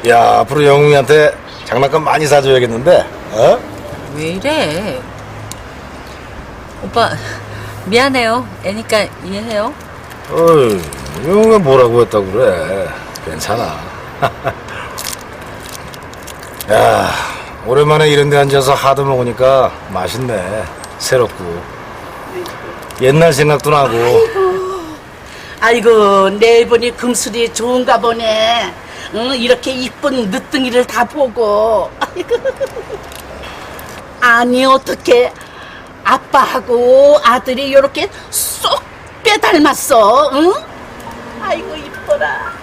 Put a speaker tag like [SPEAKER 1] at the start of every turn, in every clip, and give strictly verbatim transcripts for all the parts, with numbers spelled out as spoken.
[SPEAKER 1] 야, 앞으로 영웅이한테 장난감 많이 사줘야겠는데, 어?
[SPEAKER 2] 왜 이래? 오빠 미안해요. 애니까 이해해요.
[SPEAKER 1] 어이, 영웅이 뭐라고 했다고 그래. 괜찮아. 야, 오랜만에 이런 데 앉아서 하드 먹으니까 맛있네. 새롭고. 옛날 생각도 나고.
[SPEAKER 3] 아이고 내일 보니 금술이 좋은가 보네. 응, 이렇게 이쁜 늦둥이를 다 보고. 아이고. 아니 어떻게 아빠하고 아들이 이렇게 쏙 빼닮았어. 응? 아이고 이뻐라.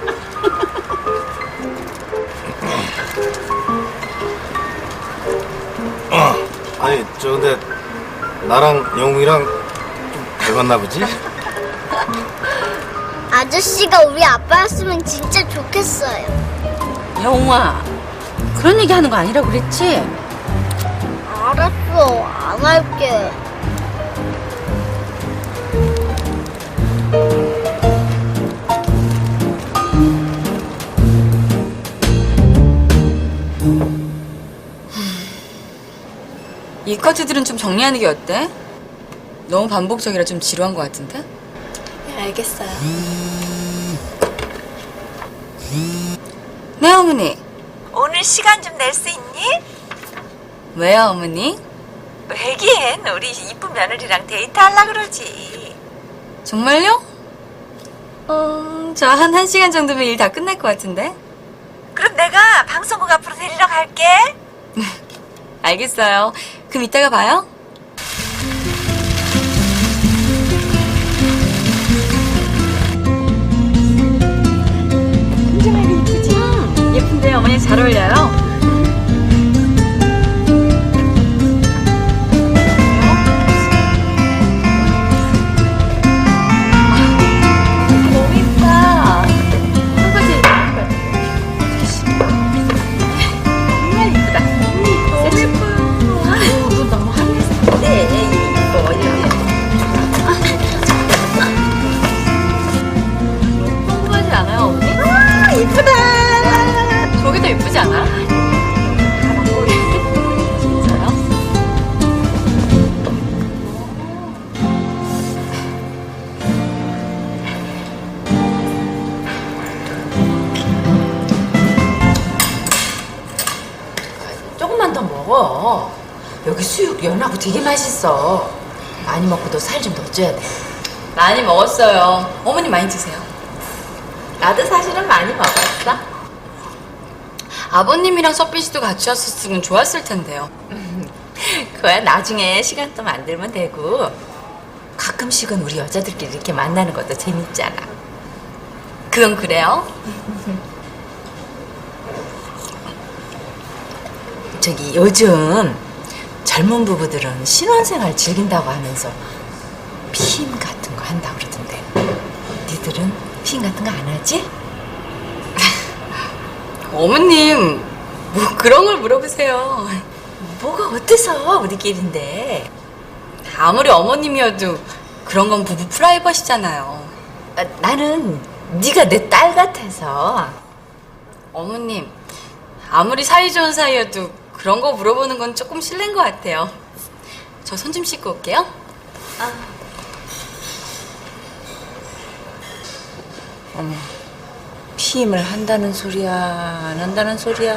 [SPEAKER 1] 아니, 저 근데 나랑 영웅이랑 좀 닮았나 보지?
[SPEAKER 4] 아저씨가 우리 아빠였으면 진짜 좋겠어요.
[SPEAKER 2] 영웅아, 그런 얘기 하는 거 아니라고 그랬지?
[SPEAKER 4] 알았어, 안 할게.
[SPEAKER 5] 이 커트들은 좀 정리하는 게 어때? 너무 반복적이라 좀 지루한 것 같은데?
[SPEAKER 6] 네, 알겠어요.
[SPEAKER 5] 네, 어머니.
[SPEAKER 7] 오늘 시간 좀 낼 수 있니?
[SPEAKER 5] 왜요, 어머니?
[SPEAKER 7] 왜긴 우리 이쁜 며느리랑 데이트하려고 그러지.
[SPEAKER 5] 정말요? 어, 저 한 한 시간 정도면 일 다 끝날 것 같은데?
[SPEAKER 7] 그럼 내가 방송국 앞으로 데리러 갈게.
[SPEAKER 5] 알겠어요. 그럼 이따가 봐요. 굉장하게 이쁘지? 예쁜데 어머니 잘 어울려요. 너무 이쁘다. 한 가지 정말 이쁘다. 너무 예뻐요. 아유, 너 너무 하늘색. 네, 이뻐. 이렇게. 궁금하지 않아요, 어머니? 아, 이쁘다. 저게 더 예쁘지 않아? 진짜요?
[SPEAKER 6] 조금만 더 먹어. 여기 수육 연하고 되게 맛있어. 많이 먹고도 살 좀 더 쪄야 돼.
[SPEAKER 5] 많이 먹었어요. 어머니 많이 드세요.
[SPEAKER 6] 나도 사실은 많이 먹었어.
[SPEAKER 5] 아버님이랑 서빈 씨도 같이 왔었으면 좋았을 텐데요.
[SPEAKER 6] 그거야 나중에 시간 또 만들면 되고. 가끔씩은 우리 여자들끼리 이렇게 만나는 것도 재밌잖아.
[SPEAKER 5] 그건 그래요?
[SPEAKER 6] 저기 요즘 젊은 부부들은 신혼생활 즐긴다고 하면서 피임 같은 거 한다고 그러던데. 니들은 피임 같은 거 안 하지?
[SPEAKER 5] 어머님, 뭐 그런 걸 물어보세요.
[SPEAKER 6] 뭐가 어때서 우리끼리인데.
[SPEAKER 5] 아무리 어머님이어도 그런 건 부부 프라이버시잖아요.
[SPEAKER 6] 아, 나는 네가 내 딸 같아서.
[SPEAKER 5] 어머님, 아무리 사이 좋은 사이여도 그런 거 물어보는 건 조금 실례인 것 같아요. 저 손 좀 씻고 올게요.
[SPEAKER 6] 어머, 피임을 한다는 소리야, 안 한다는 소리야.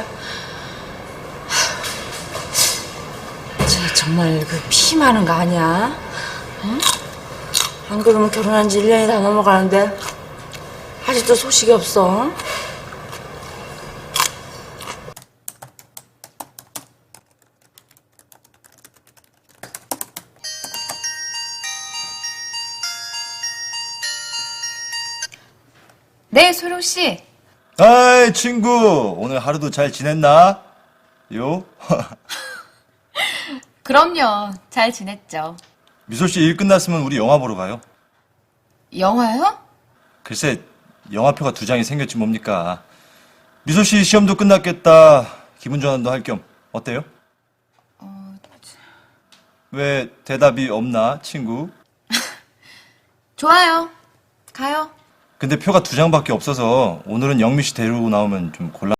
[SPEAKER 6] 하, 쟤 정말 그 피임하는 거 아니야? 응? 안 그러면 결혼한 지 일 년이 다 넘어가는데 아직도 소식이 없어.
[SPEAKER 8] 네, 소룡 씨.
[SPEAKER 9] 아이, 친구. 오늘 하루도 잘 지냈나? 요?
[SPEAKER 8] 그럼요. 잘 지냈죠.
[SPEAKER 9] 미소 씨 일 끝났으면 우리 영화 보러 가요.
[SPEAKER 8] 영화요?
[SPEAKER 9] 글쎄, 영화표가 두 장이 생겼지 뭡니까. 미소 씨 시험도 끝났겠다. 기분 전환도 할 겸. 어때요?
[SPEAKER 8] 어...
[SPEAKER 9] 왜 대답이 없나, 친구?
[SPEAKER 8] 좋아요. 가요.
[SPEAKER 9] 근데 표가 두 장밖에 없어서 오늘은 영미 씨 데리고 나오면 좀 곤란.